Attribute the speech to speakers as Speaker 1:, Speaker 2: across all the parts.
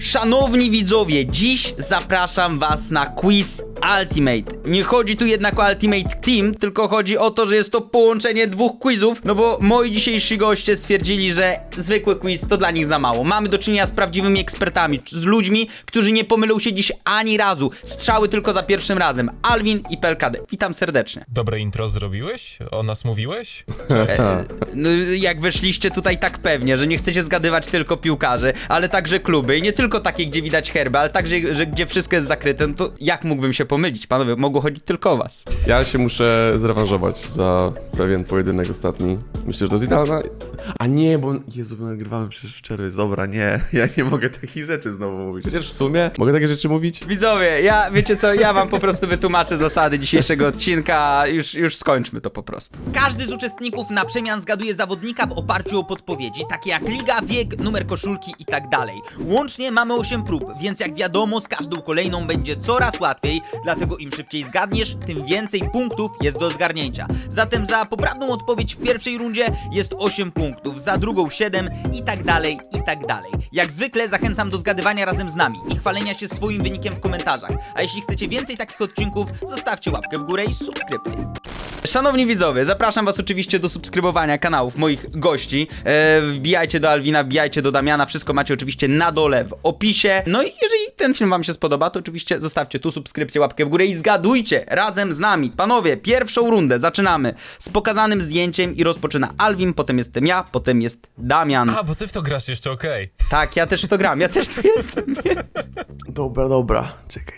Speaker 1: Szanowni widzowie, dziś zapraszam was na quiz Ultimate. Nie chodzi tu jednak o Ultimate Team, tylko chodzi o to, że jest to połączenie dwóch quizów, no bo moi dzisiejsi goście stwierdzili, że zwykły quiz to dla nich za mało. Mamy do czynienia z prawdziwymi ekspertami, z ludźmi, którzy nie pomylą się dziś ani razu. Strzały tylko za pierwszym razem. Alvin i PLKD. Witam serdecznie.
Speaker 2: Dobre intro zrobiłeś? O nas mówiłeś?
Speaker 1: No, jak weszliście tutaj tak pewnie, że nie chcecie zgadywać tylko piłkarzy, ale także kluby i nie tylko takie, gdzie widać herby, ale także, że gdzie wszystko jest zakryte, no to jak mógłbym się pomylić? Panowie, mogło chodzić tylko o was.
Speaker 3: Ja się muszę zrewanżować za pewien pojedynek ostatni. Myślę, że to jest idealna... A nie, bo... Jezu, bo nagrywamy przecież w czerwiec. Dobra, nie. Ja nie mogę takich rzeczy znowu mówić. Chociaż w sumie mogę takie rzeczy mówić?
Speaker 1: Widzowie, wiecie co, ja wam po prostu wytłumaczę zasady dzisiejszego odcinka, już skończmy to po prostu. Każdy z uczestników na przemian zgaduje zawodnika w oparciu o podpowiedzi, takie jak liga, wiek, numer koszulki i tak dalej. Łącznie mamy 8 prób, więc jak wiadomo, z każdą kolejną będzie coraz łatwiej, dlatego im szybciej zgadniesz, tym więcej punktów jest do zgarnięcia. Zatem za poprawną odpowiedź w pierwszej rundzie jest 8 punktów, za drugą 7 i tak dalej, i tak dalej. Jak zwykle zachęcam do zgadywania razem z nami i chwalenia się swoim wynikiem w komentarzach. A jeśli chcecie więcej takich odcinków, zostawcie łapkę w górę i subskrypcję. Szanowni widzowie, zapraszam was oczywiście do subskrybowania kanałów moich gości. Wbijajcie do Alwina, wbijajcie do Damiana, wszystko macie oczywiście na dole w opisie. No i jeżeli ten film wam się spodoba, to oczywiście zostawcie tu subskrypcję, łapkę w górę i zgadujcie razem z nami. Panowie, pierwszą rundę zaczynamy z pokazanym zdjęciem i rozpoczyna Alwin, potem jestem ja, potem jest Damian.
Speaker 2: A, bo ty w to grasz jeszcze, okej.
Speaker 1: Tak, ja też w to gram, ja też tu jestem.
Speaker 3: Dobra. Czekaj.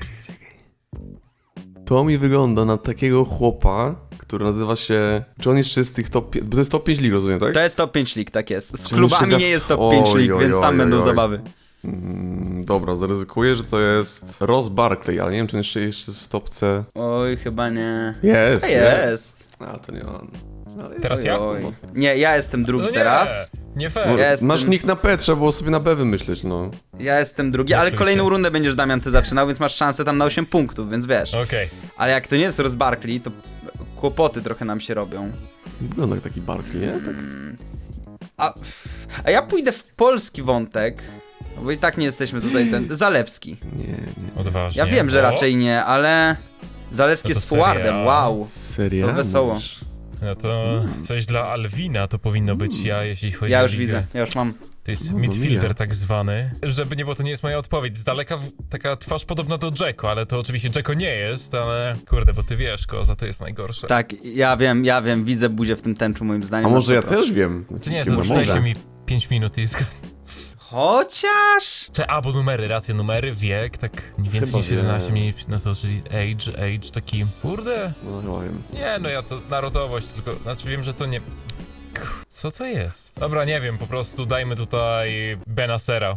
Speaker 3: To mi wygląda na takiego chłopa, który nazywa się... Czy on jeszcze jest z tych top... Bo to jest top 5 lig, rozumiem, tak?
Speaker 1: To jest top 5 lig, tak jest. Z
Speaker 3: Czyli
Speaker 1: klubami
Speaker 3: jeszcze
Speaker 1: nie jest top 5 lig, więc tam będą zabawy.
Speaker 3: Dobra, zaryzykuję, że to jest Ross Barkley, ale nie wiem, czy on jeszcze jest w topce...
Speaker 1: Oj, chyba nie.
Speaker 3: Jest. A, to nie on. Ale
Speaker 2: Teraz ja?
Speaker 1: Oj. Nie, ja jestem drugi
Speaker 2: No nie,
Speaker 1: teraz.
Speaker 2: nie fair.
Speaker 1: Ja jestem-
Speaker 3: Masz nick na P, trzeba było sobie na B wymyśleć, no.
Speaker 1: Ja jestem drugi, ale
Speaker 2: Oczywiście.
Speaker 1: kolejną rundę będziesz, Damian, ty zaczynał, więc masz szansę tam na 8 punktów, więc wiesz.
Speaker 2: Okej.
Speaker 1: Ale jak to nie jest Ross Barkley, to kłopoty trochę nam się robią.
Speaker 3: Wygląda jak taki Barkley, nie? Tak.
Speaker 1: A ja pójdę w polski wątek, bo i tak nie jesteśmy tutaj Zalewski.
Speaker 3: Nie.
Speaker 2: Odważnie.
Speaker 1: Ja wiem, że
Speaker 2: O,
Speaker 1: raczej nie, ale Zalewski
Speaker 2: No to
Speaker 1: jest forwardem,
Speaker 2: seria.
Speaker 1: wow.
Speaker 3: Serio?
Speaker 1: To wesoło.
Speaker 2: No to coś dla Alwina to powinno być ja, jeśli chodzi
Speaker 1: Ja
Speaker 2: o
Speaker 1: już
Speaker 2: ligę.
Speaker 1: widzę, ja już mam.
Speaker 2: To jest
Speaker 3: No,
Speaker 2: midfielder
Speaker 3: mija.
Speaker 2: tak zwany. Żeby nie było, to nie jest moja odpowiedź. Z daleka taka twarz podobna do Dzeko, ale to oczywiście Dzeko nie jest, ale kurde, bo ty wiesz, Koza, to jest najgorsze.
Speaker 1: Tak, ja wiem, widzę buzię w tym tęczu moim zdaniem.
Speaker 3: A może
Speaker 1: na
Speaker 3: ja
Speaker 1: 100%.
Speaker 3: też wiem?
Speaker 2: Nie,
Speaker 3: Naciskiem
Speaker 2: to
Speaker 3: na
Speaker 2: dajcie
Speaker 3: może.
Speaker 2: mi 5 minut i
Speaker 1: Chociaż...
Speaker 2: Bo numery, racje numery, wiek, tak mniej więcej
Speaker 3: Chyba
Speaker 2: niż 11 mniej na to, czyli age, taki, kurde.
Speaker 3: No chyba wiem.
Speaker 2: Nie, no ja to narodowość, tylko, znaczy wiem, że to nie... Co to jest? Dobra, nie wiem, po prostu dajmy tutaj Benacera.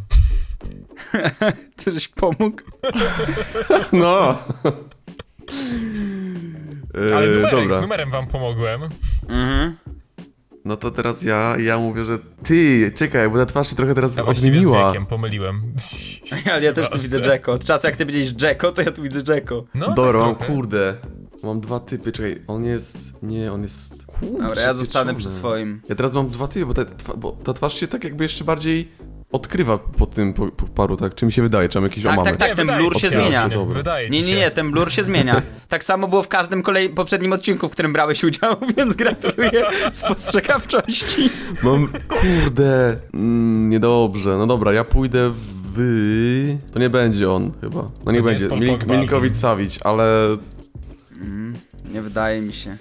Speaker 1: Ty żeś pomógł?
Speaker 3: No.
Speaker 2: Ale numerek,
Speaker 3: dobra.
Speaker 2: z numerem wam pomogłem.
Speaker 1: Mhm.
Speaker 3: No to teraz ja mówię, że ty, czekaj, bo ta twarz się trochę teraz
Speaker 2: Ja właściwie z
Speaker 3: odmieniła.
Speaker 2: wiekiem pomyliłem.
Speaker 1: Ale ja też tu widzę Dzeko. Od czasu jak ty powiedziałeś Dzeko, to ja tu widzę Dzeko.
Speaker 2: No,
Speaker 3: Dobra,
Speaker 2: tak
Speaker 3: mam
Speaker 2: trochę.
Speaker 3: kurde. Mam dwa typy, czekaj, on jest... Nie, on jest... Kurczę,
Speaker 1: Dobra, ja zostanę
Speaker 3: pieczony.
Speaker 1: przy swoim.
Speaker 3: Ja teraz mam dwa typy, bo ta twarz się tak jakby jeszcze bardziej odkrywa po tym po paru, tak? Czy mi się wydaje, czy mam jakieś
Speaker 1: Tak,
Speaker 3: omamy?
Speaker 1: tak, tak.
Speaker 2: Nie,
Speaker 1: ten
Speaker 2: wydaje
Speaker 1: blur
Speaker 2: ci
Speaker 1: się zmienia.
Speaker 3: Dobra.
Speaker 2: Wydaje ci się.
Speaker 1: Nie, ten blur się zmienia. Tak samo było w każdym poprzednim odcinku, w którym brałeś udział, więc gratuluję spostrzegawczości.
Speaker 3: Mam, kurde, niedobrze. No dobra, ja pójdę w... To nie będzie on chyba. No nie
Speaker 2: nie
Speaker 3: będzie,
Speaker 2: jest Paul Pogba.
Speaker 3: Milinkovic-Savic, ale...
Speaker 1: Nie wydaje mi się.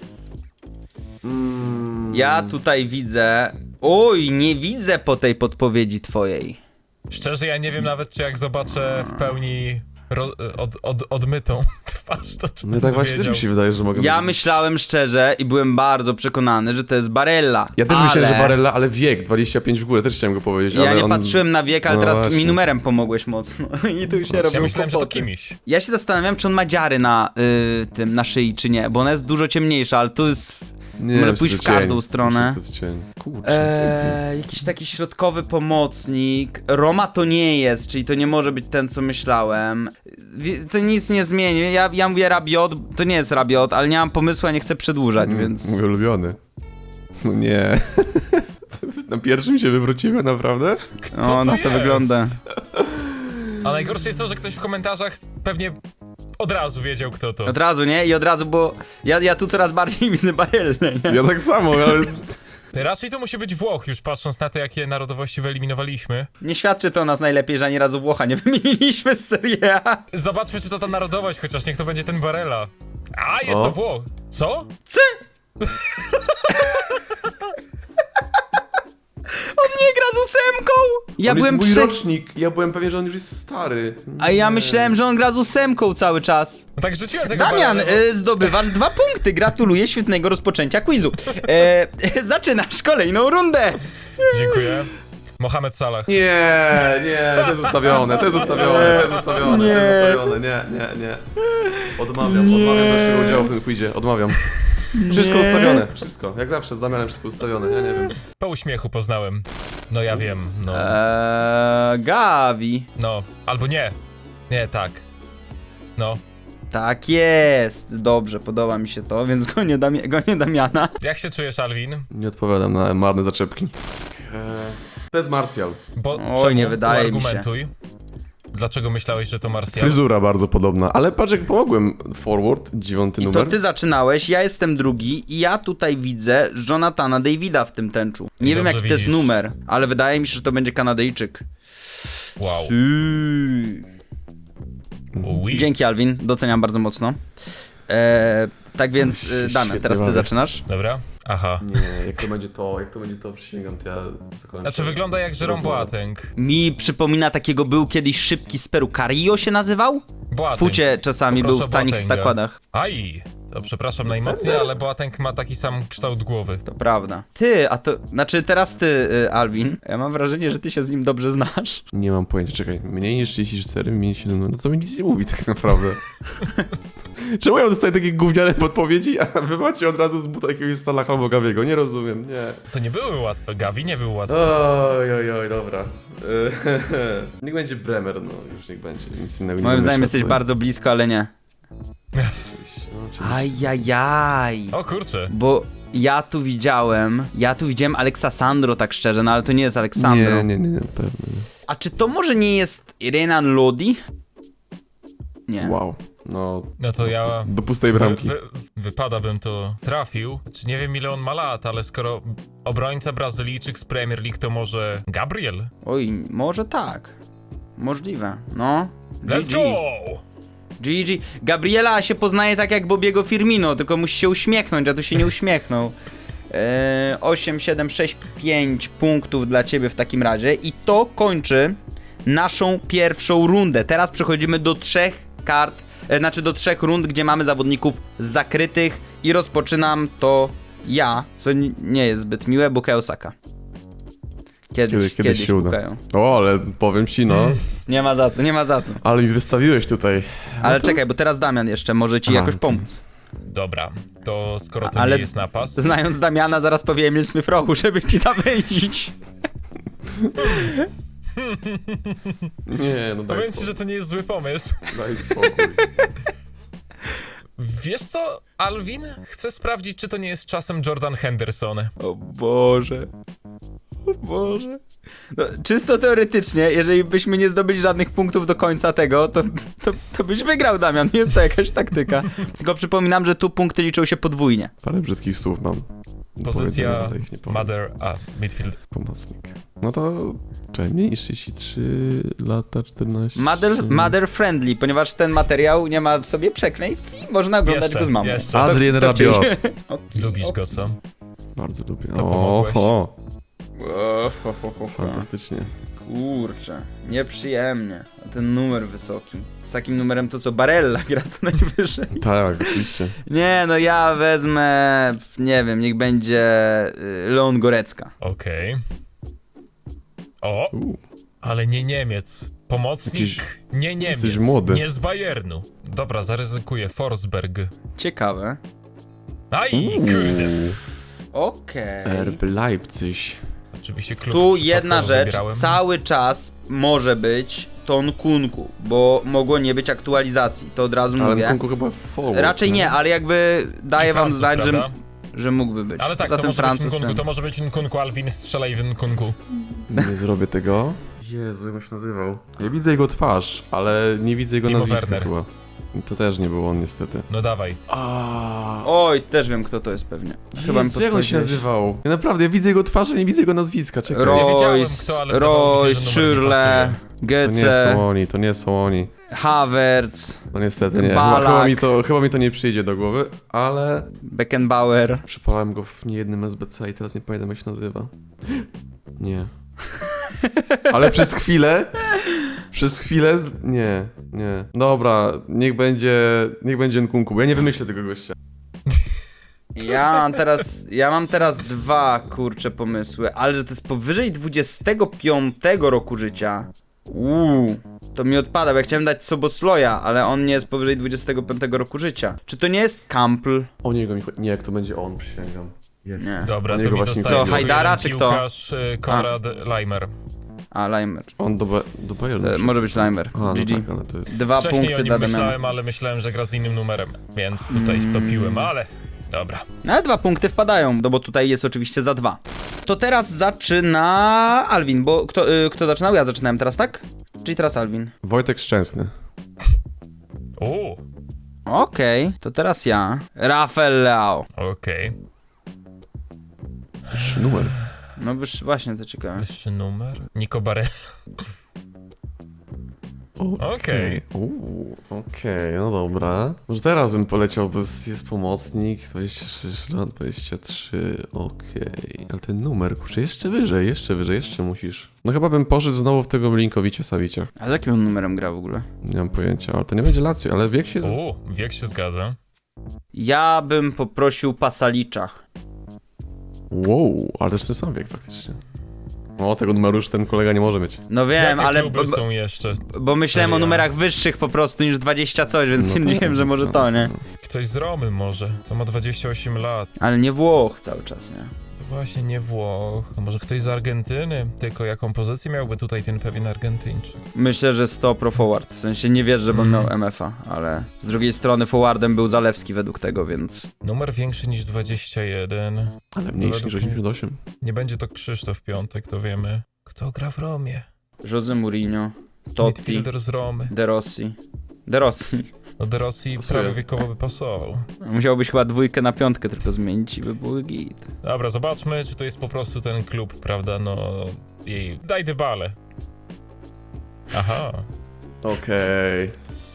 Speaker 1: Ja tutaj widzę... Oj, nie widzę po tej podpowiedzi twojej.
Speaker 2: Szczerze, ja nie wiem nawet, czy jak zobaczę w pełni odmytą twarz, to czy
Speaker 3: No
Speaker 2: będę
Speaker 3: tak właśnie też
Speaker 2: wiedział.
Speaker 3: mi się wydaje, że mogę...
Speaker 1: Ja myślałem szczerze i byłem bardzo przekonany, że to jest Barella.
Speaker 3: Ja też
Speaker 1: ale...
Speaker 3: myślałem, że Barella, ale wiek, 25 w górę, też chciałem go powiedzieć,
Speaker 1: Ja
Speaker 3: ale
Speaker 1: nie
Speaker 3: on...
Speaker 1: patrzyłem na wiek, ale
Speaker 3: No
Speaker 1: teraz
Speaker 3: właśnie.
Speaker 1: mi numerem pomogłeś mocno. I tu się robią
Speaker 2: Ja myślałem, że to
Speaker 1: kłopoty.
Speaker 2: kimś.
Speaker 1: Ja się zastanawiam, czy on ma dziary na tym, na szyi, czy nie, bo ona jest dużo ciemniejsza, ale tu jest...
Speaker 3: Nie,
Speaker 1: Może
Speaker 3: myślę,
Speaker 1: pójść
Speaker 3: że
Speaker 1: w każdą
Speaker 3: cień.
Speaker 1: stronę.
Speaker 3: Myślę, że to jest cień. Kurczę.
Speaker 1: Jakiś taki środkowy pomocnik. Roma to nie jest, czyli to nie może być ten, co myślałem. To nic nie zmieni. Ja mówię Rabiot, to nie jest Rabiot, ale nie mam pomysłu, a nie chcę przedłużać, więc...
Speaker 3: Mój ulubiony. No nie. Na pierwszym się wywrócimy, naprawdę?
Speaker 1: O, no to
Speaker 2: jest?
Speaker 1: wygląda.
Speaker 2: A najgorsze jest to, że ktoś w komentarzach pewnie od razu wiedział, kto to.
Speaker 1: Od razu, nie? I od razu, bo ja tu coraz bardziej widzę Barellę, nie?
Speaker 3: Ja tak samo, ale...
Speaker 2: Raczej to musi być Włoch, już patrząc na to, jakie narodowości wyeliminowaliśmy.
Speaker 1: Nie świadczy to o nas najlepiej, że ani razu Włocha nie wymieniliśmy z Serie A.
Speaker 2: Zobaczmy, czy to ta narodowość, chociaż niech to będzie ten Barella. A, jest
Speaker 3: O.
Speaker 2: to Włoch. Co?
Speaker 1: On nie gra z ósemką! Ja
Speaker 3: on
Speaker 1: byłem
Speaker 3: jest mój rocznik, ja byłem pewien, że on już jest stary.
Speaker 1: A ja myślałem, że on gra z ósemką cały czas.
Speaker 2: No tak rzuciłem tego
Speaker 1: Damian,
Speaker 2: Barella,
Speaker 1: zdobywasz 2 punkty. Gratuluję świetnego rozpoczęcia quizu. Zaczynasz kolejną rundę.
Speaker 2: Dziękuję. Mohamed Salah.
Speaker 3: Nie, to jest ustawione, to jest ustawione, nie. Odmawiam dalszego udziału w tym quizie, odmawiam. Wszystko ustawione, wszystko. Jak zawsze z Damianem wszystko ustawione, ja nie wiem.
Speaker 2: Po uśmiechu poznałem. No ja wiem, no.
Speaker 1: Gavi.
Speaker 2: No, albo nie. Nie, tak. No.
Speaker 1: Tak jest. Dobrze, podoba mi się to, więc gonię Damiana.
Speaker 2: Jak się czujesz, Alvin?
Speaker 3: Nie odpowiadam na marne zaczepki. To jest Martial.
Speaker 2: Bo
Speaker 1: Oj,
Speaker 2: czemu?
Speaker 1: nie wydaje mi się.
Speaker 2: Argumentuj. Dlaczego myślałeś, że to Martial?
Speaker 3: Fryzura bardzo podobna, ale patrz jak pomogłem. Forward, 9
Speaker 1: I
Speaker 3: numer.
Speaker 1: to ty zaczynałeś, ja jestem drugi i ja tutaj widzę Jonathana Davida w tym tęczu. Nie wiem
Speaker 2: Dobrze
Speaker 1: jaki to jest
Speaker 2: widzisz.
Speaker 1: numer, ale wydaje mi się, że to będzie Kanadyjczyk.
Speaker 2: Wow. Oui.
Speaker 1: Dzięki Alvin, doceniam bardzo mocno. Tak więc Damian,
Speaker 3: Świetnie
Speaker 1: teraz ty
Speaker 3: bawię.
Speaker 2: Dobra.
Speaker 1: zaczynasz.
Speaker 2: Aha.
Speaker 3: Nie, jak to będzie to, przysięgam, to ja zakończę.
Speaker 2: Znaczy wygląda jak Jerome
Speaker 3: Rozmowę.
Speaker 2: Boateng.
Speaker 1: Mi przypomina takiego, był kiedyś szybki z Peru, Carillo się nazywał? W
Speaker 2: Boateng.
Speaker 1: fucie czasami
Speaker 2: Poproszę
Speaker 1: był w tanich
Speaker 2: Boatenga.
Speaker 1: zakładach.
Speaker 2: Aj! To przepraszam najmocniej, ale Boateng ma taki sam kształt głowy.
Speaker 1: To prawda. Ty, a to, znaczy teraz ty, Alvin. Ja mam wrażenie, że ty się z nim dobrze znasz.
Speaker 3: Nie mam pojęcia, czekaj, mniej niż 34, mniej niż 7, no to mi nic nie mówi tak naprawdę. Czemu ja dostaję takie gówniane podpowiedzi, a wy macie od razu z buta jakiegoś Salaha albo Gaviego? Nie rozumiem, nie.
Speaker 2: To nie były łatwe, Gavi nie był łatwy.
Speaker 3: Oj, dobra. Niech będzie Bremer, no już niech będzie, nic innego nie
Speaker 1: Moim
Speaker 3: wymyślę
Speaker 1: zdaniem jesteś
Speaker 3: tutaj.
Speaker 1: bardzo blisko, ale nie.
Speaker 3: Oczywiście, no, oczywiście.
Speaker 1: Ajajaj.
Speaker 2: O kurczę.
Speaker 1: Bo ja tu widziałem Alexa Sandro, tak szczerze, no ale to nie jest Aleksandro.
Speaker 3: Nie, na pewno nie.
Speaker 1: A czy to może nie jest Renan Lodi? Nie.
Speaker 3: Wow, no
Speaker 2: No to ja...
Speaker 3: do pustej bramki.
Speaker 2: Wypada bym to trafił. Czy nie wiem ile on ma lat, ale skoro obrońca Brazylijczyk z Premier League to może Gabriel?
Speaker 1: Oj, może tak. Możliwe, no.
Speaker 2: Let's
Speaker 1: GG.
Speaker 2: go!
Speaker 1: GG. Gabriela się poznaje tak jak Bobiego Firmino, tylko musi się uśmiechnąć, a tu się nie uśmiechnął. 8, 7, 6, 5 punktów dla ciebie w takim razie i to kończy naszą pierwszą rundę. Teraz przechodzimy do 3 kart, do 3 rund, gdzie mamy zawodników zakrytych i rozpoczynam to ja, co nie jest zbyt miłe, Bukayo Saka. Kiedyś
Speaker 3: się uda.
Speaker 1: Bukayo.
Speaker 3: O, ale powiem ci, no.
Speaker 1: Nie ma za co.
Speaker 3: Ale mi wystawiłeś tutaj.
Speaker 1: Ale
Speaker 3: to
Speaker 1: czekaj, bo teraz Damian jeszcze może ci
Speaker 3: Aha,
Speaker 1: jakoś
Speaker 3: okej.
Speaker 1: pomóc.
Speaker 2: Dobra, to skoro to
Speaker 1: Ale
Speaker 2: nie jest napas...
Speaker 1: Znając Damiana, zaraz powie Emil Smith-Rowe, żeby ci zawęzić.
Speaker 3: Nie, no daj
Speaker 2: Powiem ci,
Speaker 3: spokój.
Speaker 2: że to nie jest zły pomysł.
Speaker 3: Daj spokój.
Speaker 2: Wiesz co, Alvin? Chcę sprawdzić, czy to nie jest czasem Jordan Henderson.
Speaker 1: O Boże. O Boże. No, czysto teoretycznie, jeżeli byśmy nie zdobyli żadnych punktów do końca tego, to byś wygrał, Damian. Nie jest to jakaś taktyka. Tylko przypominam, że tu punkty liczą się podwójnie.
Speaker 3: Parę brzydkich słów mam. do
Speaker 2: Pozycja
Speaker 3: powiedzenia, ale ich nie powiem.
Speaker 2: Mother... midfield.
Speaker 3: Pomocnik. No to... Czekaj, mniej niż 33 lata, 14...
Speaker 1: Mother friendly, ponieważ ten materiał nie ma w sobie przekleństw i można oglądać go z mamą.
Speaker 2: jeszcze.
Speaker 3: Adrien
Speaker 1: To- to czyli-
Speaker 3: Rabiot.
Speaker 1: Okej,
Speaker 2: Lubisz
Speaker 1: okej.
Speaker 2: go, co?
Speaker 3: Bardzo lubię.
Speaker 2: To pomogłeś.
Speaker 3: Fantastycznie.
Speaker 1: Kurczę, nieprzyjemnie. A ten numer wysoki. Z takim numerem to co Barella gra co najwyżej.
Speaker 3: Tak, oczywiście.
Speaker 1: Nie, no ja wezmę, nie wiem, niech będzie Leon Gorecka.
Speaker 2: Okej. O, ale nie Niemiec. Pomocnik,
Speaker 3: Jakiś-
Speaker 2: nie Niemiec.
Speaker 3: jesteś młody.
Speaker 2: Nie z Bayernu. Dobra, zaryzykuję. Forsberg.
Speaker 1: Ciekawe.
Speaker 2: Aj, kurde.
Speaker 1: Okej.
Speaker 3: RB Leipzig.
Speaker 2: Oczywiście klub
Speaker 1: Tu
Speaker 2: przypadkowo
Speaker 1: jedna rzecz,
Speaker 2: wybierałem.
Speaker 1: cały czas może być Ton Kunku, bo mogło nie być aktualizacji, to od razu
Speaker 3: Ale
Speaker 1: mówię.
Speaker 3: Nkunku chyba forward.
Speaker 1: Raczej nie, ale jakby daję
Speaker 2: I
Speaker 1: wam
Speaker 2: Francuz,
Speaker 1: znać,
Speaker 2: prawda?
Speaker 1: że mógłby być.
Speaker 2: Ale tak,
Speaker 1: Poza
Speaker 2: to
Speaker 1: tym
Speaker 2: może być
Speaker 1: Francuz
Speaker 2: Nkunku,
Speaker 1: ten.
Speaker 2: to może być Nkunku, Alvin, strzelaj w Nkunku.
Speaker 3: Nie zrobię tego. Jezu, jak on się nazywał? Ja widzę jego twarz, ale nie widzę jego
Speaker 2: Timo
Speaker 3: nazwiska
Speaker 2: Werner.
Speaker 3: chyba. I to też nie był on niestety.
Speaker 2: No dawaj.
Speaker 1: Oj, też wiem kto to jest pewnie. Chyba mi
Speaker 3: Jezu, jak on się
Speaker 1: podpowiedziałeś.
Speaker 3: nazywał? Ja naprawdę, ja widzę jego twarz, a nie widzę jego nazwiska, czekaj.
Speaker 2: Ja wiedziałem,
Speaker 1: Royce,
Speaker 2: kto, ale wydawało mi się, że numer nie
Speaker 1: Schürrle,
Speaker 3: To nie
Speaker 1: Götze,
Speaker 3: są oni, to nie są oni.
Speaker 1: Havertz,
Speaker 3: No niestety nie.
Speaker 1: Balak.
Speaker 3: Chyba mi to nie przyjdzie do głowy, ale...
Speaker 1: Beckenbauer.
Speaker 3: Przypalałem go w niejednym SBC i teraz nie pamiętam jak się nazywa. Nie. Ale przez chwilę... Nie. Dobra, niech będzie Nkunku, bo ja nie wymyślę tego gościa.
Speaker 1: Ja mam teraz dwa, kurcze, pomysły, ale że to jest powyżej 25 roku życia. To mi odpada, bo ja chciałem dać Sobosloja, ale on nie jest powyżej 25 roku życia. Czy to nie jest Kampl?
Speaker 3: O niego mi chodzi. Nie, jak to będzie on, przysięgam. Jest.
Speaker 1: Nie.
Speaker 2: Dobra,
Speaker 3: O
Speaker 2: to
Speaker 3: niego
Speaker 2: mi
Speaker 3: właśnie
Speaker 2: zostaje
Speaker 1: Co,
Speaker 2: tylko
Speaker 1: Hajdara,
Speaker 2: jeden
Speaker 1: czy kto?
Speaker 2: piłkarz, Konrad Leimer.
Speaker 1: A, Leimer.
Speaker 3: On do Bayernu przyszedł.
Speaker 1: Może być Leimer.
Speaker 3: A, no
Speaker 1: GG.
Speaker 3: tak, ale to jest...
Speaker 1: 2
Speaker 2: Wcześniej o
Speaker 1: punkty
Speaker 2: nim
Speaker 1: dla Damiana.
Speaker 2: myślałem, ale myślałem, że gra z innym numerem, więc tutaj wtopiłem, ale... Dobra.
Speaker 1: No, ale 2 punkty wpadają, no bo tutaj jest oczywiście za 2. To teraz zaczyna Alvin, bo kto zaczynał? Ja zaczynałem teraz, tak? Czyli teraz Alvin.
Speaker 3: Wojtek Szczęsny.
Speaker 1: Okej, to teraz ja. Rafael Leao.
Speaker 2: Okej.
Speaker 3: Wyższy numer.
Speaker 1: No już właśnie to ciekawe.
Speaker 2: Wyższy numer. Nico Barre. Okej.
Speaker 3: Okej, no dobra. Może teraz bym poleciał, bo jest pomocnik, 26 lat, 23, okej. Ale ten numer, kurczę, jeszcze wyżej, jeszcze musisz. No chyba bym poszedł znowu w tego Milinkowicia-Savicia.
Speaker 1: A z jakim on numerem gra w ogóle?
Speaker 3: Nie mam pojęcia, ale to nie będzie Lazio, ale wiek się...
Speaker 2: Wiek się zgadza.
Speaker 1: Ja bym poprosił Pasalicza.
Speaker 3: Wow, ale też ten sam wiek faktycznie. O, tego numeru już ten kolega nie może mieć.
Speaker 1: No wiem,
Speaker 2: Jakie
Speaker 1: ale
Speaker 2: kluby są jeszcze?
Speaker 1: bo myślałem o
Speaker 2: Seria?
Speaker 1: numerach wyższych po prostu niż 20 coś, więc
Speaker 3: No
Speaker 1: nie
Speaker 3: tak,
Speaker 1: wiem, że może
Speaker 3: no.
Speaker 1: to, nie?
Speaker 2: Ktoś z Romy może. To ma 28 lat.
Speaker 1: Ale nie Włoch cały czas, nie?
Speaker 2: To właśnie nie Włoch. A może ktoś z Argentyny? Tylko jaką pozycję miałby tutaj ten pewien Argentyńczyk?
Speaker 1: Myślę, że 100 pro forward. W sensie nie wierzę, żeby on miał MF-a, ale z drugiej strony forwardem był Zalewski według tego, więc...
Speaker 2: Numer większy niż 21.
Speaker 3: Ale mniejszy niż
Speaker 2: Według mnie
Speaker 3: 88.
Speaker 2: Nie będzie to Krzysztof Piątek, to wiemy. Kto gra w Romie?
Speaker 1: Jose Mourinho, Totti,
Speaker 2: Midfielder z Romy.
Speaker 1: De Rossi. De Rossi.
Speaker 2: No De Rossi
Speaker 3: Pasuje.
Speaker 2: prawie wiekowo by pasował.
Speaker 1: Musiałbyś chyba 2 na 5 tylko zmienić i by był git.
Speaker 2: Dobra, zobaczmy, czy to jest po prostu ten klub, prawda, no... Jej... Daj Dybalę. Aha.
Speaker 3: Okej.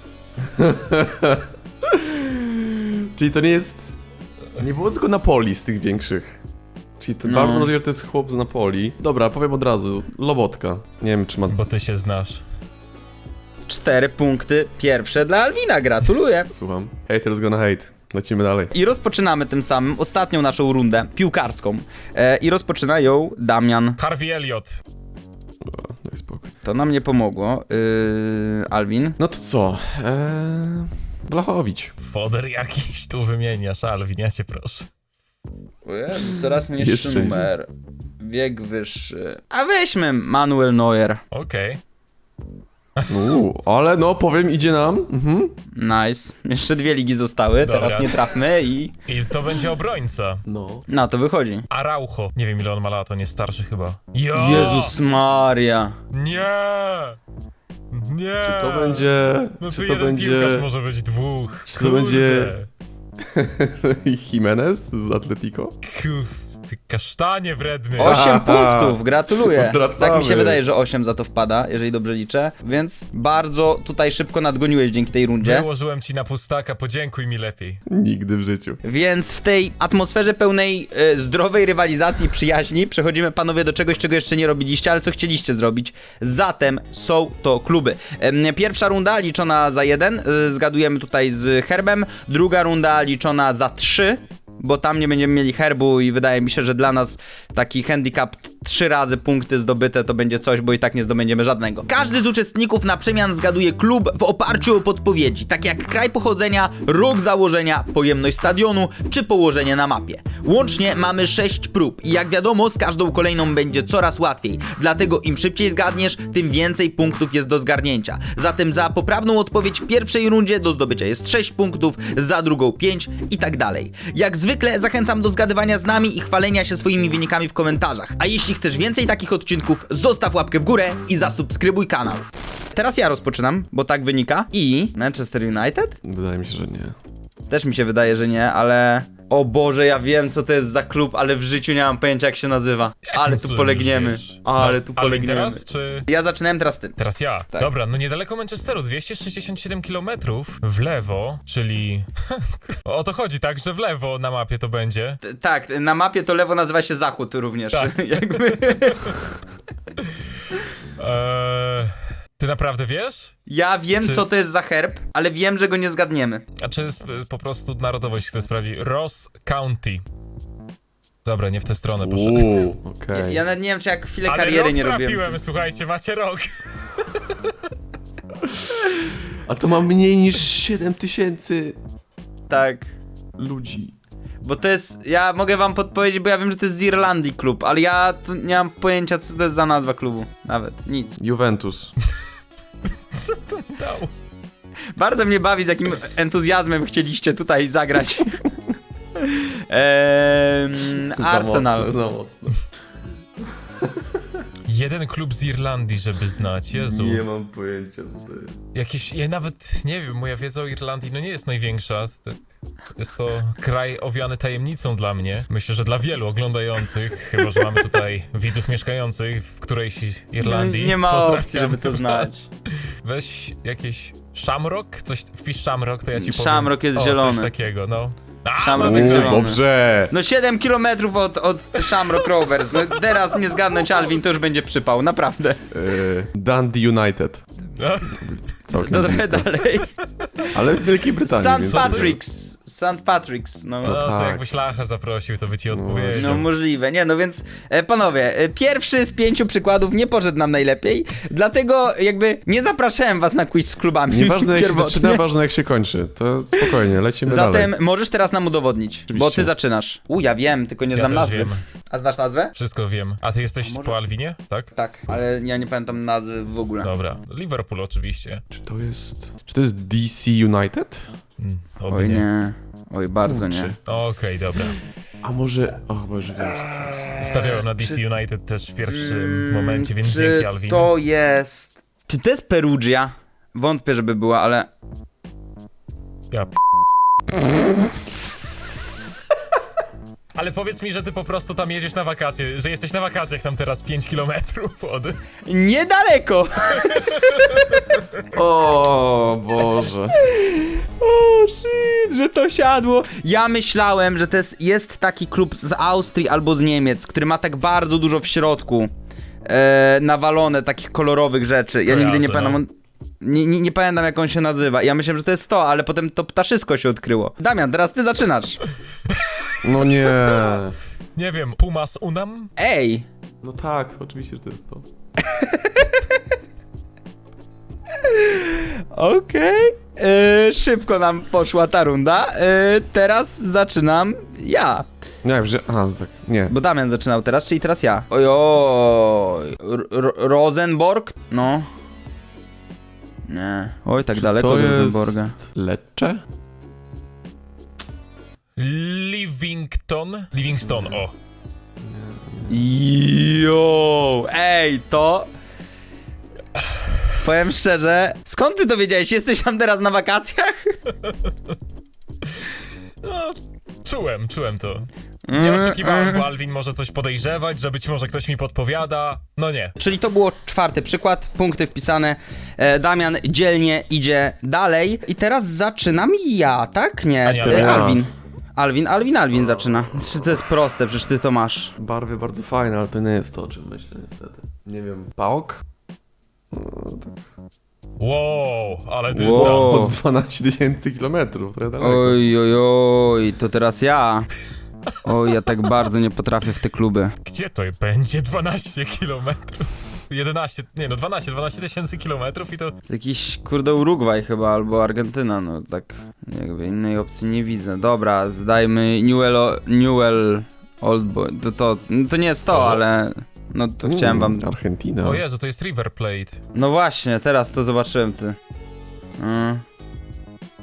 Speaker 3: Czyli to nie jest... Nie było tylko Napoli z tych większych. Czyli to
Speaker 1: No.
Speaker 3: bardzo możliwe, że to jest chłop z Napoli. Dobra, powiem od razu. Lobotka. Nie wiem, czy ma...
Speaker 2: Bo ty się znasz.
Speaker 1: 4 punkty pierwsze dla Alwina, gratuluję.
Speaker 3: Słucham. Haters gonna hate. Lecimy dalej.
Speaker 1: I rozpoczynamy tym samym ostatnią naszą rundę piłkarską. I rozpoczyna ją Damian.
Speaker 2: Harvey Elliott.
Speaker 3: Dobra, daj spokój.
Speaker 1: To nam nie pomogło. Alvin.
Speaker 3: No to co? Blachowicz.
Speaker 2: Foder jakiś tu wymieniasz, Alvin, ja cię proszę.
Speaker 1: O Jezu, coraz niższy
Speaker 3: Jeszcze
Speaker 1: numer. Wiek wyższy. A weźmy Manuel Neuer.
Speaker 2: Okej.
Speaker 3: Ale no, powiem, idzie nam. Mhm.
Speaker 1: Nice. Jeszcze 2 ligi zostały,
Speaker 2: Dobra.
Speaker 1: teraz nie trafmy i...
Speaker 2: I to będzie obrońca.
Speaker 3: No.
Speaker 1: No, to wychodzi.
Speaker 2: Araujo. Nie wiem ile on ma lat, on jest starszy chyba. Jo!
Speaker 1: Jezus Maria.
Speaker 2: Nie! Nie!
Speaker 3: Czy to będzie...
Speaker 2: No
Speaker 3: czy
Speaker 2: to
Speaker 3: to
Speaker 2: jeden
Speaker 3: będzie...
Speaker 2: piłkarz może być 2.
Speaker 3: Czy to będzie- Jimenez z Atletico?
Speaker 2: Ty kasztanie wredny.
Speaker 1: 8 punktów, gratuluję.
Speaker 3: Wracamy.
Speaker 1: Tak mi się wydaje, że 8 za to wpada, jeżeli dobrze liczę. Więc bardzo tutaj szybko nadgoniłeś dzięki tej rundzie.
Speaker 2: Wyłożyłem ci na pustaka, podziękuj mi lepiej.
Speaker 3: Nigdy w życiu.
Speaker 1: Więc w tej atmosferze pełnej zdrowej rywalizacji i przyjaźni przechodzimy, panowie, do czegoś, czego jeszcze nie robiliście, ale co chcieliście zrobić. Zatem są to kluby. Pierwsza runda liczona za 1, zgadujemy tutaj z herbem. Druga runda liczona za 3, bo tam nie będziemy mieli herbu i wydaje mi się, że dla nas taki handicap 3 razy punkty zdobyte to będzie coś, bo i tak nie zdobędziemy żadnego. Każdy z uczestników na przemian zgaduje klub w oparciu o podpowiedzi, tak jak kraj pochodzenia, rok założenia, pojemność stadionu czy położenie na mapie. Łącznie mamy 6 prób i jak wiadomo, z każdą kolejną będzie coraz łatwiej, dlatego im szybciej zgadniesz, tym więcej punktów jest do zgarnięcia. Zatem za poprawną odpowiedź w pierwszej rundzie do zdobycia jest 6 punktów, za drugą 5 i tak dalej. Jak zwykle zachęcam do zgadywania z nami i chwalenia się swoimi wynikami w komentarzach. A jeśli chcesz więcej takich odcinków, zostaw łapkę w górę i zasubskrybuj kanał. Teraz ja rozpoczynam, bo tak wynika. I Manchester United?
Speaker 3: Wydaje mi się, że nie.
Speaker 1: Też mi się wydaje, że nie, ale... O Boże, ja wiem co to jest za klub, ale w życiu nie mam pojęcia jak się nazywa. Ale tu polegniemy. Ale tu polegniemy.
Speaker 2: Teraz, czy...
Speaker 1: Ja zaczynałem, teraz ty.
Speaker 2: Teraz ja.
Speaker 1: Tak.
Speaker 2: Dobra, no niedaleko Manchesteru, 267 km w lewo, czyli... o to chodzi, tak, że w lewo na mapie to będzie.
Speaker 1: Tak, na mapie to lewo nazywa się zachód również.
Speaker 2: Tak.
Speaker 1: Jakby...
Speaker 2: Ty naprawdę wiesz?
Speaker 1: Ja wiem
Speaker 2: Czy-
Speaker 1: co to jest za herb, ale wiem, że go nie zgadniemy.
Speaker 2: A czy po prostu narodowość chcę sprawdzić? Ross County. Dobra, nie w tę stronę poszedłem.
Speaker 3: Okej.
Speaker 1: Ja nawet nie wiem, czy jak chwilę
Speaker 2: Ale
Speaker 1: kariery
Speaker 2: rok
Speaker 1: nie
Speaker 2: trafiłem,
Speaker 1: robiłem.
Speaker 2: słuchajcie, macie rok.
Speaker 3: A to ma mniej niż 7000
Speaker 1: Tak.
Speaker 3: ludzi.
Speaker 1: Bo to jest, ja mogę wam podpowiedzieć, bo ja wiem, że to jest z Irlandii klub, ale ja tu nie mam pojęcia, co to jest za nazwa klubu. Nawet, nic.
Speaker 3: Juventus.
Speaker 2: Co to dał?
Speaker 1: Bardzo mnie bawi, z jakim entuzjazmem chcieliście tutaj zagrać. Arsenal.
Speaker 3: Za mocno.
Speaker 2: Jeden klub z Irlandii, żeby znać, Jezu.
Speaker 3: Nie mam pojęcia, co to jest.
Speaker 2: Jakieś, ja nawet nie wiem, moja wiedza o Irlandii no nie jest największa. Jest to kraj owiany tajemnicą dla mnie. Myślę, że dla wielu oglądających, chyba że mamy tutaj widzów mieszkających w którejś Irlandii.
Speaker 1: Nie ma
Speaker 2: Pozdrawiam.
Speaker 1: opcji, żeby to znać.
Speaker 2: Weź jakieś Shamrock, coś, wpisz Shamrock, to ja ci powiem.
Speaker 1: Shamrock jest
Speaker 2: o,
Speaker 1: zielony.
Speaker 2: Coś takiego, no. A,
Speaker 1: Shamrock
Speaker 2: no
Speaker 1: jest
Speaker 2: tak,
Speaker 1: zielony.
Speaker 3: Dobrze.
Speaker 1: No 7 km od Shamrock Rovers. No teraz nie zgadnąć Alvin, to już będzie przypał, naprawdę.
Speaker 3: Dundee United.
Speaker 2: no.
Speaker 3: Całkiem
Speaker 1: To trochę
Speaker 3: blisko.
Speaker 1: dalej.
Speaker 3: Ale w Wielkiej Brytanii.
Speaker 1: St.
Speaker 3: więc-
Speaker 1: Patrick's. St. Patrick's, no.
Speaker 2: No to
Speaker 3: tak.
Speaker 2: jakbyś Lacha zaprosił, to by ci odpowiedział.
Speaker 1: No możliwe, nie no więc panowie, pierwszy z 5 przykładów nie poszedł nam najlepiej, dlatego jakby nie zapraszałem was na quiz z klubami.
Speaker 3: Nieważne jak się
Speaker 1: pierwotnie.
Speaker 3: zaczyna, ważne jak się kończy. To spokojnie, lecimy
Speaker 1: Zatem
Speaker 3: dalej.
Speaker 1: możesz teraz nam udowodnić, bo ty
Speaker 3: Oczywiście.
Speaker 1: zaczynasz. Ja wiem, tylko nie
Speaker 2: Ja
Speaker 1: znam
Speaker 2: też
Speaker 1: nazwy.
Speaker 2: wiem.
Speaker 1: A znasz nazwę?
Speaker 2: Wszystko wiem. A ty jesteś
Speaker 1: może-
Speaker 2: po Alwinie, tak?
Speaker 1: Tak, ale ja nie pamiętam nazwy w ogóle.
Speaker 2: Dobra. Liverpool oczywiście.
Speaker 3: Czy to jest DC United?
Speaker 2: Oby
Speaker 1: Oj
Speaker 2: nie.
Speaker 1: nie, oj bardzo nie.
Speaker 3: Kurczę.
Speaker 2: Okej, dobra.
Speaker 3: A może... O, Boże, wiem, że to jest...
Speaker 2: Stawiałem na DC United też w pierwszym momencie, więc
Speaker 1: Czy
Speaker 2: dzięki Alwin.
Speaker 1: to jest... Czy to jest Perugia? Wątpię, żeby była, ale...
Speaker 2: Ja Ale powiedz mi, że ty po prostu tam jedziesz na wakacje, że jesteś na wakacjach tam teraz 5 kilometrów od...
Speaker 1: Niedaleko!
Speaker 3: O Boże.
Speaker 1: O shit, że to siadło. Ja myślałem, że to jest taki klub z Austrii albo z Niemiec, który ma tak bardzo dużo w środku nawalone takich kolorowych rzeczy. Ja nigdy nie
Speaker 2: Kojarzę,
Speaker 1: pamiętam, nie pamiętam jak on się nazywa. Ja myślałem, że to jest to, ale potem to ptaszysko się odkryło. Damian, teraz ty zaczynasz.
Speaker 3: No nie.
Speaker 2: Nie wiem, Pumas Unam?
Speaker 1: Ej!
Speaker 3: No tak, oczywiście, że to jest to.
Speaker 1: Okej. Szybko nam poszła ta runda. Teraz zaczynam ja.
Speaker 3: Nie wiem, że... Aha, no tak, nie.
Speaker 1: Bo Damian zaczynał teraz, czyli teraz ja. Ojoj. Rosenborg? No. Nie. Oj, tak daleko
Speaker 3: To
Speaker 1: od
Speaker 3: jest...
Speaker 1: Rosenborga.
Speaker 3: Lecce?
Speaker 2: Livingston, o.
Speaker 1: Jo, ej, to... Powiem szczerze, skąd ty to wiedziałeś? Jesteś tam teraz na wakacjach?
Speaker 2: No, czułem to. Nie oszukiwałem, bo Alwin może coś podejrzewać, że być może ktoś mi podpowiada. No nie.
Speaker 1: Czyli to było 4. przykład, punkty wpisane. Damian dzielnie idzie dalej. I teraz zaczynam ja, tak? Nie,
Speaker 2: A nie,
Speaker 1: Alwin zaczyna. Czy to jest proste, przecież ty to masz.
Speaker 3: Barwy bardzo fajne, ale to nie jest to, o czym myślę niestety. Nie wiem, PAOK? No, tak.
Speaker 2: Wow, ale
Speaker 1: Wow.
Speaker 2: dystans.
Speaker 3: Od 12 000 kilometrów, trochę daleko.
Speaker 1: Oj, to teraz ja. Oj, ja tak bardzo nie potrafię w te kluby.
Speaker 2: Gdzie to będzie 12 kilometrów? 11, nie no 12 tysięcy kilometrów i to...
Speaker 1: Jakiś kurde Urugwaj chyba, albo Argentyna, no tak jakby innej opcji nie widzę. Dobra, dajmy Newell Old Boy. To nie jest to,
Speaker 2: O.
Speaker 1: ale no to chciałem wam...
Speaker 3: Argentyna.
Speaker 2: O Jezu, to jest River Plate.
Speaker 1: No właśnie, teraz to zobaczyłem ty.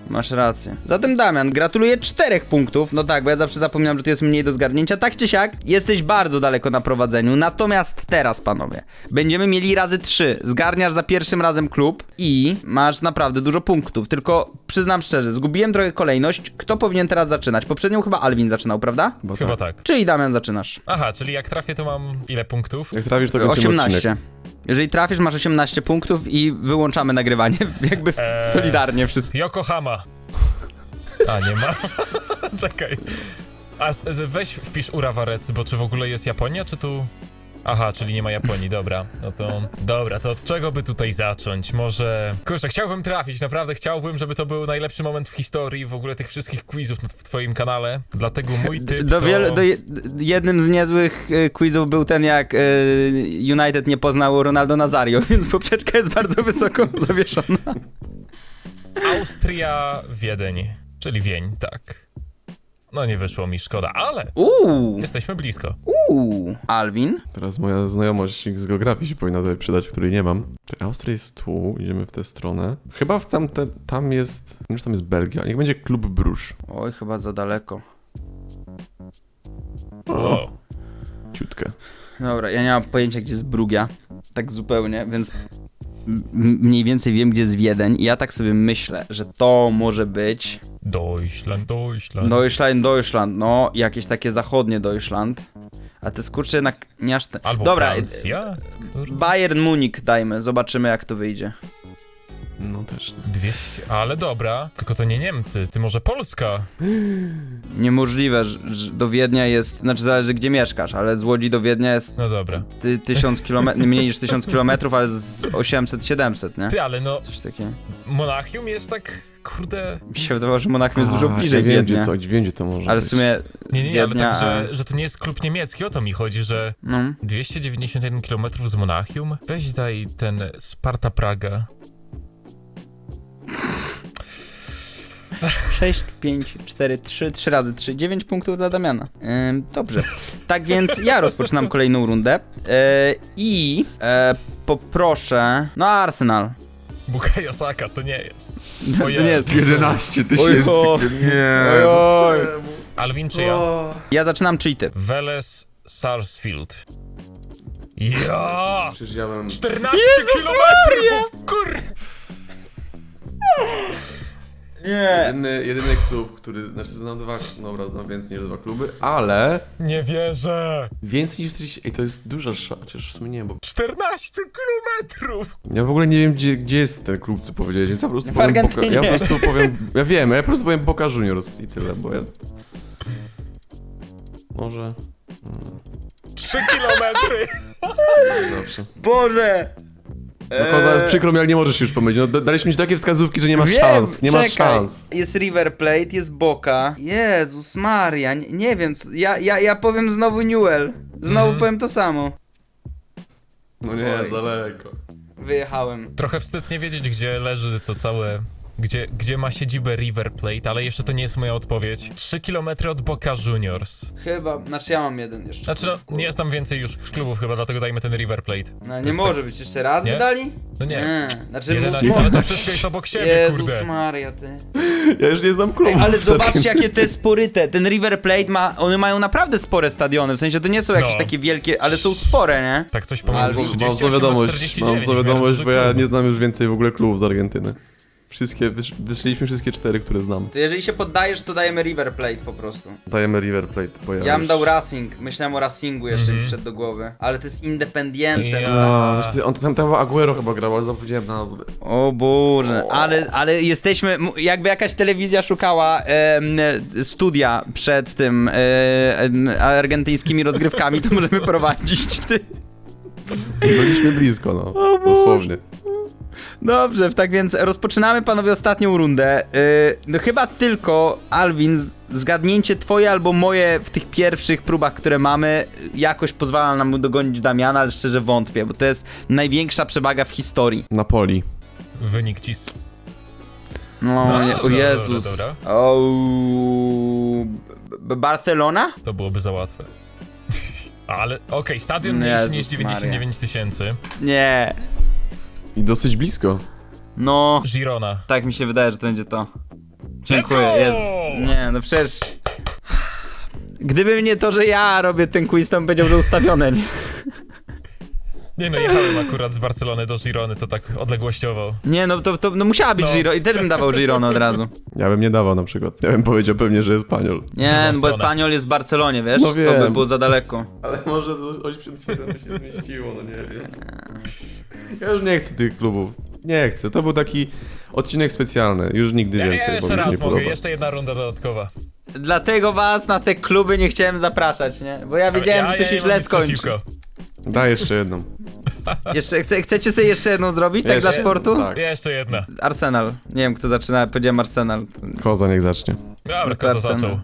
Speaker 1: Masz rację. Zatem Damian, gratuluję 4 punktów. No tak, bo ja zawsze zapominam, że tu jest mniej do zgarnięcia. Tak czy siak, jesteś bardzo daleko na prowadzeniu. Natomiast teraz, panowie, będziemy mieli razy 3. Zgarniasz za pierwszym razem klub i masz naprawdę dużo punktów. Tylko przyznam szczerze, zgubiłem trochę kolejność. Kto powinien teraz zaczynać? Poprzednią chyba Alvin zaczynał, prawda?
Speaker 3: Bo
Speaker 2: Chyba tak.
Speaker 1: Czyli Damian zaczynasz.
Speaker 2: Aha, czyli jak trafię, to mam ile punktów?
Speaker 3: Jak trafisz, to kończymy
Speaker 1: 18.
Speaker 3: odcinek.
Speaker 1: Jeżeli trafisz, masz 18 punktów i wyłączamy nagrywanie. Jakby solidarnie wszyscy.
Speaker 2: Yokohama. A, nie ma. Czekaj. Weź wpisz Urawarec, bo czy w ogóle jest Japonia, czy tu... Aha, czyli nie ma Japonii, dobra. No to... Dobra, to od czego by tutaj zacząć? Może... Kurczę, chciałbym trafić, naprawdę chciałbym, żeby to był najlepszy moment w historii w ogóle tych wszystkich quizów w twoim kanale. Dlatego mój typ to...
Speaker 1: Jednym z niezłych quizów był ten, jak United nie poznał Ronaldo Nazario, więc poprzeczka jest bardzo wysoko zawieszona.
Speaker 2: Austria, Wiedeń. Czyli Wień, tak. No nie wyszło mi, szkoda, ale... Jesteśmy blisko.
Speaker 1: Alvin?
Speaker 3: Teraz moja znajomość z geografii się powinna tutaj przydać, której nie mam. Austria jest tu, idziemy w tę stronę. Chyba tam jest... Nie wiem, czy tam jest Belgia. Niech będzie Klub Bruges.
Speaker 1: Oj, chyba za daleko.
Speaker 2: O.
Speaker 3: Ciutkę.
Speaker 1: Dobra, ja nie mam pojęcia, gdzie jest Brugia. Tak zupełnie, więc mniej więcej wiem, gdzie jest Wiedeń. I ja tak sobie myślę, że to może być... Deutschland, no, jakieś takie zachodnie Deutschland. A te skurcze jednak nie aż te...
Speaker 2: Albo
Speaker 1: Dobra,
Speaker 2: Francja?
Speaker 1: Bayern Munich dajmy, zobaczymy jak to wyjdzie.
Speaker 3: No też nie.
Speaker 2: 200, ale dobra, tylko to nie Niemcy, ty może Polska?
Speaker 1: Niemożliwe, że do Wiednia jest, znaczy zależy gdzie mieszkasz, ale z Łodzi do Wiednia jest
Speaker 2: No dobra.
Speaker 1: 1000 km, mniej niż 1000 km, ale z 800-700, nie?
Speaker 2: Ty, ale no,
Speaker 1: Coś takiego.
Speaker 2: Monachium jest tak, kurde...
Speaker 1: Mi się wydawało, że Monachium jest dużo bliżej
Speaker 3: ja wiem,
Speaker 1: Wiednia.
Speaker 3: wiem, gdzie to może
Speaker 1: Ale
Speaker 3: być.
Speaker 1: w sumie
Speaker 2: Nie, ale
Speaker 1: Wiednia,
Speaker 2: tak, że to nie jest klub niemiecki, o to mi chodzi, że
Speaker 1: no.
Speaker 2: 291 km z Monachium? Weź daj ten Sparta Praga.
Speaker 1: 6, 5, 4, 3 razy 3, 9 punktów dla Damiana. Dobrze. Tak więc ja rozpoczynam kolejną rundę i poproszę... No Arsenal.
Speaker 2: Bukayo Saka to nie jest.
Speaker 1: To nie jest.
Speaker 3: 11
Speaker 1: tysięcy.
Speaker 3: Nie,
Speaker 1: Oj.
Speaker 2: Alvin czy ja?
Speaker 1: Ja zaczynam, czyli ty.
Speaker 2: Veles Sarsfield. Ja!
Speaker 3: Przecież ja mam...
Speaker 2: 14 kilometrów! Kur...
Speaker 1: Nie.
Speaker 3: Jedyny klub, który... Znaczy znam znam więcej niż 2 kluby, ale...
Speaker 2: Nie wierzę!
Speaker 3: Więcej niż 40... Ej, to jest duża szansa, chociaż w sumie nie, bo...
Speaker 2: 14 kilometrów!
Speaker 3: Ja w ogóle nie wiem, gdzie jest ten klub, co powiedziałeś, więc ja po prostu
Speaker 1: W
Speaker 3: powiem...
Speaker 1: Argentynie.
Speaker 3: Ja po prostu powiem... Ja wiem, ja po prostu powiem Boca Juniors i tyle, bo ja... Może...
Speaker 2: 3 kilometry!
Speaker 3: Dobrze.
Speaker 1: Boże!
Speaker 3: No Koza, przykro mi, ale nie możesz się już pomylić. No, daliśmy ci takie wskazówki, że nie masz
Speaker 1: Wiem,
Speaker 3: szans. Nie masz
Speaker 1: czekaj.
Speaker 3: szans.
Speaker 1: Jest River Plate, jest Boca. Jezus Maria, nie wiem, ja powiem znowu Newell. Znowu powiem to samo.
Speaker 3: No nie,
Speaker 1: Oj.
Speaker 3: daleko.
Speaker 1: Wyjechałem.
Speaker 2: Trochę wstyd nie wiedzieć, gdzie leży to całe... Gdzie ma siedzibę River Plate, ale jeszcze to nie jest moja odpowiedź. 3 km od Boca Juniors.
Speaker 1: Chyba, znaczy ja mam jeden jeszcze.
Speaker 2: Znaczy no, nie jest tam więcej już klubów chyba, dlatego dajmy ten River Plate.
Speaker 1: No nie
Speaker 2: jest
Speaker 1: może być, jeszcze raz
Speaker 2: Nie?
Speaker 1: by dali?
Speaker 2: No nie.
Speaker 1: Znaczy
Speaker 2: 11, ale to wszystko jest obok siebie,
Speaker 1: Jezus
Speaker 2: kurde.
Speaker 1: Maria, ty.
Speaker 3: Ja już nie znam klubu.
Speaker 1: Ej, ale zobaczcie jakie te sporyte. Ten River Plate ma, one mają naprawdę spore stadiony, w sensie to nie są jakieś
Speaker 2: No.
Speaker 1: takie wielkie, ale są spore, nie?
Speaker 2: Tak coś
Speaker 1: Albo-
Speaker 2: pomiędzy
Speaker 3: Mam
Speaker 2: 38
Speaker 3: złą
Speaker 2: a
Speaker 3: wiadomość,
Speaker 2: 49.
Speaker 3: mam złą wiadomość, bo ja
Speaker 2: klubów.
Speaker 3: nie znam już więcej w ogóle klubów z Argentyny. Wszystkie, wyszliśmy wszystkie 4, które znam.
Speaker 1: To jeżeli się poddajesz, to dajemy River Plate po prostu.
Speaker 3: Dajemy River Plate, bo
Speaker 1: Ja bym
Speaker 3: już...
Speaker 1: dał Racing, myślałem o Racingu jeszcze mi wszedł do głowy. Ale to jest Independiente.
Speaker 2: Ja.
Speaker 3: A, wiesz ty, on tam Aguero chyba grał, ale zapomniałem nazwy.
Speaker 1: O Boże, ale jesteśmy, jakby jakaś telewizja szukała studia przed tym argentyńskimi rozgrywkami, to możemy prowadzić, ty.
Speaker 3: Byliśmy blisko, no. Dosłownie.
Speaker 1: Dobrze, tak więc rozpoczynamy, panowie, ostatnią rundę. No chyba tylko, Alvin, zgadnięcie twoje albo moje w tych pierwszych próbach, które mamy, jakoś pozwala nam dogonić Damiana, ale szczerze wątpię, bo to jest największa przewaga w historii.
Speaker 3: Napoli.
Speaker 2: Wynik cis.
Speaker 1: No,
Speaker 2: No,
Speaker 1: nie, o
Speaker 2: dobra,
Speaker 1: Jezus.
Speaker 2: dobra.
Speaker 1: O, Barcelona?
Speaker 2: To byłoby za łatwe. Ale okej, stadion mniejszy
Speaker 1: Jezus
Speaker 2: niż 99 tysięcy.
Speaker 1: Nie.
Speaker 3: I dosyć blisko.
Speaker 1: No,
Speaker 2: Girona.
Speaker 1: tak mi się wydaje, że to będzie to. Dziękuję,
Speaker 2: Let's go!
Speaker 1: jest. Nie, no przecież... Gdyby nie to, że ja robię ten quiz, to bym powiedział, że ustawione, nie?
Speaker 2: Nie no, jechałem akurat z Barcelony do Girony, to tak odległościowo.
Speaker 1: Nie, no to no musiała być
Speaker 2: No.
Speaker 1: Giro i też bym dawał Girona od razu.
Speaker 3: Ja bym nie dawał na przykład. Ja bym powiedział pewnie, że Espanyol.
Speaker 1: Nie, no bo
Speaker 2: stronę.
Speaker 1: Espanyol jest w Barcelonie, wiesz?
Speaker 3: No
Speaker 1: To by
Speaker 3: wiem.
Speaker 1: było za daleko.
Speaker 3: Ale może to 87 się zmieściło, no nie wiem. Ja już nie chcę tych klubów. Nie chcę. To był taki odcinek specjalny. Już nigdy
Speaker 2: Ja
Speaker 3: więcej, bo
Speaker 2: jeszcze
Speaker 3: mi się
Speaker 2: raz
Speaker 3: nie
Speaker 2: mogę,
Speaker 3: podoba.
Speaker 2: jeszcze jedna runda dodatkowa.
Speaker 1: Dlatego was na te kluby nie chciałem zapraszać, nie? Bo ja wiedziałem, że to się
Speaker 2: nie mam
Speaker 1: źle
Speaker 2: nic
Speaker 1: skończy.
Speaker 2: przeciwko.
Speaker 3: Daj jeszcze jedną.
Speaker 1: Chcecie sobie jeszcze jedną zrobić, tak dla
Speaker 3: Jeszcze?
Speaker 1: sportu?
Speaker 3: Tak.
Speaker 2: Jeszcze jedna.
Speaker 1: Arsenal. Nie wiem, kto zaczyna, powiedziałem Arsenal.
Speaker 3: Koza niech zacznie.
Speaker 2: Dobra,
Speaker 1: to
Speaker 2: Koza
Speaker 1: Arsenal.
Speaker 2: zaczął.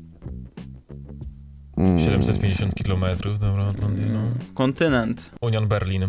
Speaker 3: Mm.
Speaker 2: 750 km, dobra, od Londynu.
Speaker 1: Kontynent.
Speaker 2: Union Berlin.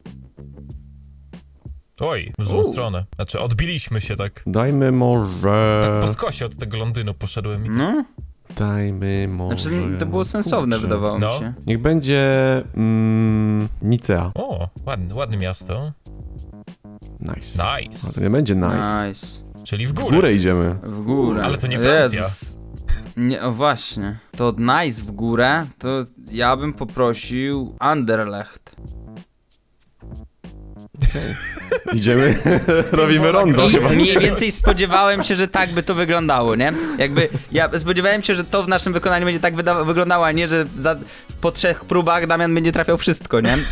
Speaker 2: Oj, w złą stronę. Znaczy, odbiliśmy się tak.
Speaker 3: Dajmy może...
Speaker 2: Tak po skosie od tego Londynu poszedłem i...
Speaker 1: No,
Speaker 3: Dajmy może...
Speaker 1: znaczy to było sensowne,
Speaker 3: Kurczę.
Speaker 1: wydawało mi
Speaker 2: No.
Speaker 1: się.
Speaker 3: Niech będzie... Nicea.
Speaker 2: O, ładne miasto.
Speaker 3: Nice. A
Speaker 2: Nice.
Speaker 3: to nie będzie nice.
Speaker 1: Nice.
Speaker 2: Czyli w
Speaker 3: W
Speaker 2: górę.
Speaker 3: górę idziemy.
Speaker 1: W górę.
Speaker 2: Ale to nie Francja.
Speaker 1: Nie, o właśnie. To od nice w górę, to ja bym poprosił Anderlecht.
Speaker 3: Idziemy, robimy rondo
Speaker 1: I
Speaker 3: chyba.
Speaker 1: mniej więcej spodziewałem się, że tak by to wyglądało, nie? Jakby, ja spodziewałem się, że to w naszym wykonaniu będzie tak wyglądało, a nie, że po 3 próbach Damian będzie trafiał wszystko, nie?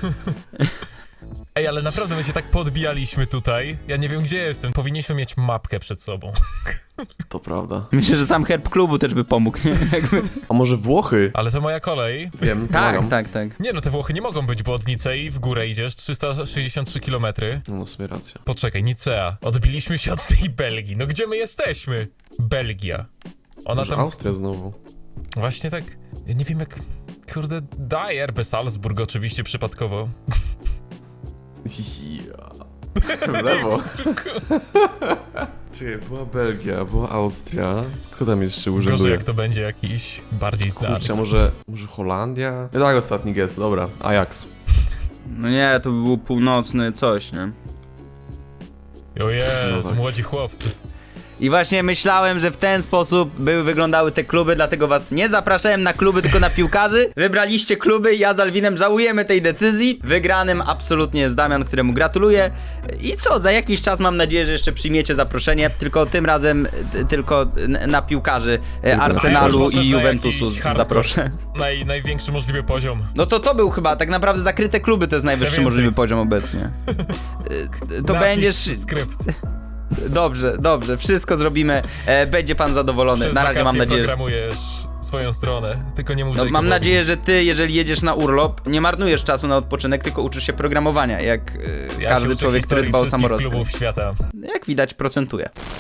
Speaker 2: Ej, ale naprawdę my się tak podbijaliśmy tutaj. Ja nie wiem, gdzie jestem. Powinniśmy mieć mapkę przed sobą.
Speaker 3: To prawda.
Speaker 1: Myślę, że sam herb klubu też by pomógł, nie? Jakby...
Speaker 3: A może Włochy?
Speaker 2: Ale to moja kolej.
Speaker 3: Wiem,
Speaker 1: Tak,
Speaker 3: pomagam.
Speaker 1: tak, tak.
Speaker 2: Nie no, te Włochy nie mogą być, bo od Nicei w górę idziesz 363 km.
Speaker 3: No, w sumie racja.
Speaker 2: Poczekaj, Nicea. Odbiliśmy się od tej Belgii. No gdzie my jesteśmy? Belgia. Ona
Speaker 3: Może
Speaker 2: tam...
Speaker 3: Austria znowu.
Speaker 2: Właśnie tak... Ja nie wiem jak... Kurde, daj RB Salzburg oczywiście przypadkowo.
Speaker 3: Ja. W lewo. Czekaj, była Belgia, była Austria. Kto tam jeszcze
Speaker 2: Gorzej
Speaker 3: urzęduje?
Speaker 2: jak to będzie jakiś bardziej znany.
Speaker 3: Kurczę, może Holandia? Tak, ostatni guess, dobra. Ajax.
Speaker 1: No nie, to by był północny coś, nie?
Speaker 2: O Jezu,
Speaker 3: No tak.
Speaker 2: młodzi chłopcy.
Speaker 1: I właśnie myślałem, że w ten sposób wyglądały te kluby, dlatego was nie zapraszałem na kluby, tylko na piłkarzy. Wybraliście kluby, ja z Alwinem żałujemy tej decyzji. Wygranym absolutnie jest Damian, któremu gratuluję. I co, za jakiś czas mam nadzieję, że jeszcze przyjmiecie zaproszenie, tylko tym razem tylko na piłkarzy Arsenalu
Speaker 2: Może
Speaker 1: i
Speaker 2: na
Speaker 1: Juventusu
Speaker 2: jakiś hardcore.
Speaker 1: zaproszę.
Speaker 2: Największy możliwy poziom.
Speaker 1: No to był chyba, tak naprawdę zakryte kluby to jest najwyższy
Speaker 2: więcej.
Speaker 1: możliwy poziom obecnie. To
Speaker 2: Napisz
Speaker 1: będziesz...
Speaker 2: skrypt.
Speaker 1: Dobrze, wszystko zrobimy, będzie pan zadowolony.
Speaker 2: Przez
Speaker 1: Na razie mam
Speaker 2: wakacje
Speaker 1: nadzieję.
Speaker 2: programujesz swoją stronę, tylko nie mów
Speaker 1: No, mam
Speaker 2: Jacobowi.
Speaker 1: nadzieję, że ty, jeżeli jedziesz na urlop, nie marnujesz czasu na odpoczynek, tylko uczysz się programowania, jak
Speaker 2: Ja się
Speaker 1: każdy
Speaker 2: uczę
Speaker 1: człowiek, który
Speaker 2: historii
Speaker 1: dba o
Speaker 2: wszystkich
Speaker 1: samorozwój.
Speaker 2: klubów świata.
Speaker 1: Jak widać, procentuje.